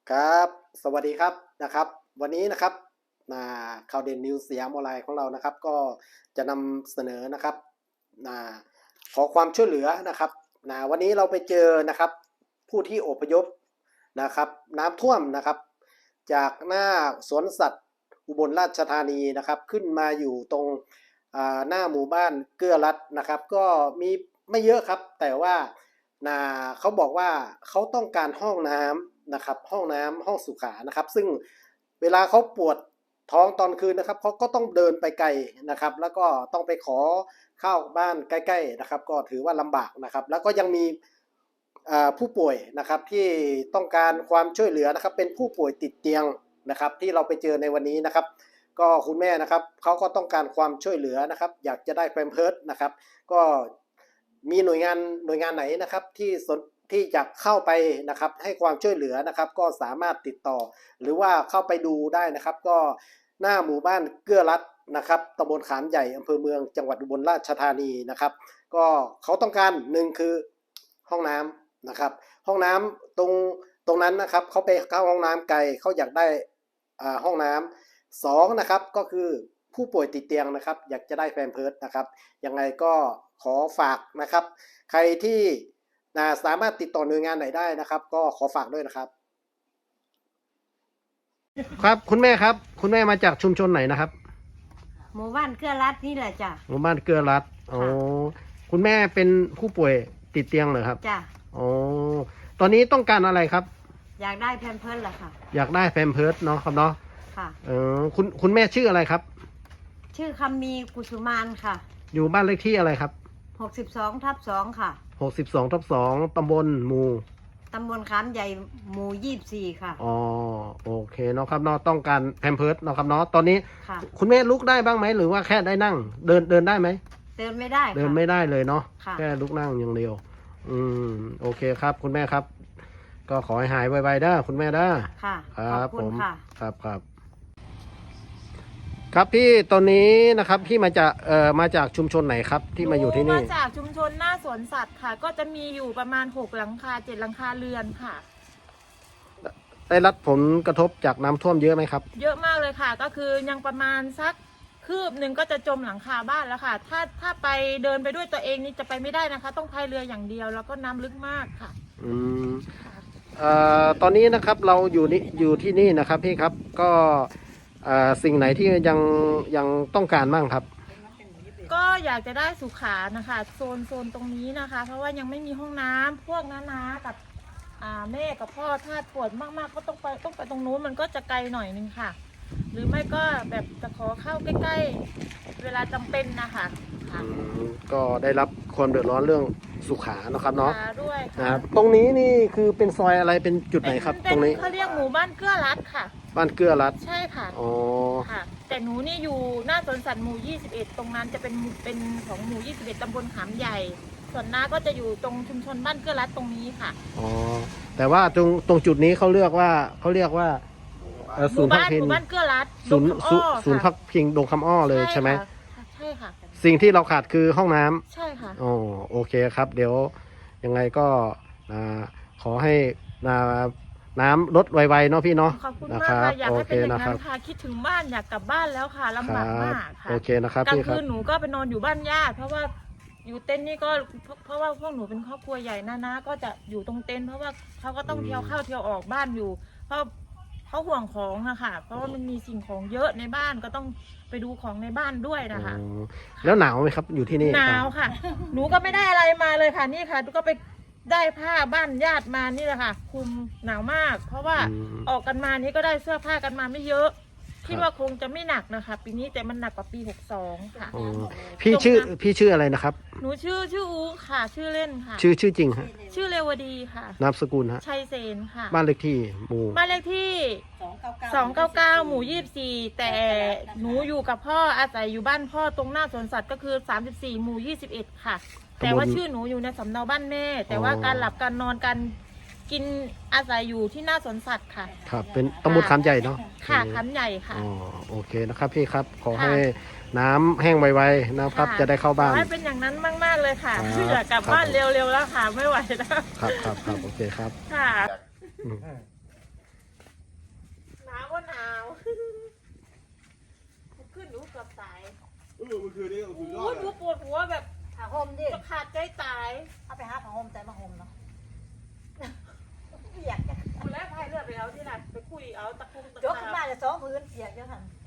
ครับสวัสดีครับนะครับวันนี้นะครับข่าวเด่นนิวสยามออนไลน์ของเรานะครับก็จะนำเสนอนะครับนะขอความช่วยเหลือนะครับวันนี้เราไปเจอนะครับผู้ที่อพยพนะครับน้ำท่วมนะครับจากหน้าสวนสัตว์อุบลราชธานีนะครับขึ้นมาอยู่ตรงหน้าหมู่บ้านเกื้อรัตน์นะครับก็มีไม่เยอะครับแต่ว่าเขาบอกว่าเขาต้องการห้องน้ำนะครับห้องน้ำห้องสุขานะครับซึ่งเวลาเขาปวดท้องตอนคืนนะครับเขาก็ต้องเดินไปไกลนะครับแล้วก็ต้องไปขอข้าวบ้านใกล้ๆนะครับก็ถือว่าลำบากนะครับแล้วก็ยังมีผู้ป่วยนะครับที่ต้องการความช่วยเหลือนะครับเป็นผู้ป่วยติดเตียงนะครับที่เราไปเจอในวันนี้นะครับก็คุณแม่นะครับเขาก็ต้องการความช่วยเหลือนะครับอยากจะได้แพมเพิร์สนะครับก็มีหน่วยงานไหนนะครับที่จะเข้าไปนะครับให้ความช่วยเหลือนะครับก็สามารถติดต่อหรือว่าเข้าไปดูได้นะครับก็หน้าหมู่บ้านเกื้อรัตน์นะครับตำบลขามใหญ่อำเภอเมืองจังหวัดอุบลราชธานีนะครับก็เขาต้องการหนึ่งคือห้องน้ำนะครับห้องน้ำตรงนั้นนะครับเขาไปเข้าห้องน้ำไกลเขาอยากได้ห้องน้ำสองนะครับก็คือผู้ป่วยติดเตียงนะครับอยากจะได้แพมเพิร์สนะครับยังไงก็ขอฝากนะครับใครที่สามารถติดต่อหน่วยงานไหนได้นะครับก็ขอฝากด้วยนะครับครับคุณแม่ครับคุณแม่มาจากชุมชนไหนนะครับหมู่บ้านเกื้อรัดนี่แหละจ้ะหมู่บ้านเกื้อรัตน์อ๋อคุณแม่เป็นผู้ป่วยติดเตียงเหรอครับจ้ะอ๋อตอนนี้ต้องการอะไรครับอยากได้แพมเพิร์สเหรอค่ะอยากได้แพมเพิร์สเนาะครับเนาะค่ะคุณแม่ชื่ออะไรครับชื่อคำมีกุสุมานค่ะอยู่บ้านเลขที่อะไรครับ 62/2ค่ะ 62/2ตำบลหมู่ตำบลขามใหญ่หมู่24ค่ะอ๋อโอเคเนาะครับเนาะต้องการแพมเพิร์สเนาะครับเนาะตอนนี้ค่ะคุณแม่ลุกได้บ้างไหมหรือว่าแค่ได้นั่งเดินได้ไหมเดินไม่ได้ค่ะเดินไม่ได้เลยเนาะค่ะแค่ลุกนั่งอย่างเดียวโอเคครับคุณแม่ครับก็ขอให้หายไวๆเด้อคุณแม่เด้อค่ะครับขอบคุณค่ะครับครับพี่ตอนนี้นะครับพี่มาจากชุมชนไหนครับที่มาอยู่ที่นี่มาจากชุมชนหน้าสวนสัตว์ค่ะก็จะมีอยู่ประมาณ6 หลังคา 7 หลังคาเรือนค่ะได้รับผลกระทบจากน้ำท่วมเยอะไหมครับเยอะมากเลยค่ะก็คือยังประมาณสักคืบหนึ่งก็จะจมหลังคาบ้านแล้วค่ะถ้าไปเดินไปด้วยตัวเองนี่จะไปไม่ได้นะคะต้องพายเรืออย่างเดียวแล้วก็น้ำลึกมากค่ะตอนนี้นะครับเราอยู่ที่นี่นะครับพี่ครับก็สิ่งไหนที่ยังต้องการบ้างครับก็อยากจะได้สุขานะคะโซนตรงนี้นะคะเพราะว่ายังไม่มีห้องน้ำพวกน้ากับแม่กับพ่อถ้าปวดมากๆก็ต้องไปตรงนู้นมันก็จะไกลหน่อยนึงค่ะหรือไม่ก็แบบจะขอเข้าใกล้ๆเวลาจำเป็นนะคะก็ได้รับความเดือดร้อนเรื่องสุขานะครับเนาะด้วยนะครับตรงนี้นี่คือเป็นซอยอะไรเป็นจุดไหนครับตรงนี้เขาเรียกหมู่บ้านเกื้อรัตน์ค่ะบ้านเกื้อรัตน์ใช่ค่ะอ๋อค่ะแต่หนูนี่อยู่หน้าสวนสัตว์หมู่21ตรงนั้นจะเป็นของหมู่21ตำบลขามใหญ่ส่วนน้าก็จะอยู่ตรงชุมชนบ้านเกื้อรัตน์ตรงนี้ค่ะอ๋อแต่ว่าตรงจุดนี้เขาเรียกว่าศูนย์พักพิงหมู่บ้านเกื้อรัตน์ศูนย์พักพิงดงคำอ้อเลยใช่ไหมใช่ค่ะสิ่งที่เราขาดคือห้องน้ำใช่ค่ะอ๋อโอเคครับเดี๋ยวยังไงก็ขอให้น้ำลดไวๆเนาะพี่เนาะขอบคุณมากค่ะอยากให้เป็นอย่างนั้นค่ะคิดถึงบ้านอยากกลับบ้านแล้วค่ะลำบากมากค่ะโอเคนะครับกลางพี่ครับคืนหนูก็ไปนอนอยู่บ้านญาติเพราะว่าอยู่เต็นท์นี่ก็เพราะว่าพวกหนูเป็นครอบครัวใหญ่นะก็จะอยู่ตรงเต็นท์เพราะว่าเขาก็ต้องเที่ยวเข้าเที่ยวออกบ้านอยู่เพราะเขาห่วงของอะค่ะเพราะว่ามันมีสิ่งของเยอะในบ้านก็ต้องไปดูของในบ้านด้วยนะคะแล้วหนาวไหมครับอยู่ที่นี่หนาวค่ะหนูก็ไม่ได้อะไรมาเลยค่ะนี่ค่ะก็ไปได้ผ้าบ้านญาติมานี่แหละค่ะคุมหนาวมากเพราะว่าออกกันมานี้ก็ได้เสื้อผ้ากันมาไม่เยอะคิดว่าคงจะไม่หนักนะคะปีนี้แต่มันหนักกว่าปี62ค่ะพี่ชื่ออะไรนะครับหนูชื่ออูค่ะชื่อเล่นค่ะชื่อจริงฮะชื่อเรวดีค่ะนามสกุลฮะชัยเสนค่ะบ้านเลขที่บ้านเลขที่299หมู่24แต่หนูอยู่กับพ่ออาศัยอยู่บ้านพ่อตรงหน้าสวนสัตว์ก็คือ34หมู่21ค่ะแต่ว่าชื่อหนูอยู่ในสำเนาบ้านแม่แต่ว่าการหลับการนอนการกินอาศัยอยู่ที่หน้าสวนสัตว์ค่ะครับเป็นตำบลขามใหญ่เนาะค่ะขามใหญ่ค่ะอ๋อโอเคนะครับพี่ครับขอให้น้ำแห้งไวๆนะครับจะได้เข้าบ้านให้เป็นอย่างนั้นมากๆเลยค่ะอยากกลับบ้านเร็วๆแล้วค่ะไม่ไหวแล้วครับโอเคครับค่ะขึ้นหนูเกือบตายเมื่อคืนนี้สุดยอโอ้ดยหเลนูยปวดหัวแบบผ้าห่มดิจะขาดใจตายเอาไปหาผ้าห่มใจมาห่มเนาะเปียกคุณแล้วพายเรือไปเอาที่ไหนไปคุยเอาตะคุ่มตะยกขาขึ้นบมาจะสองพื้นเปียกเยอะทัน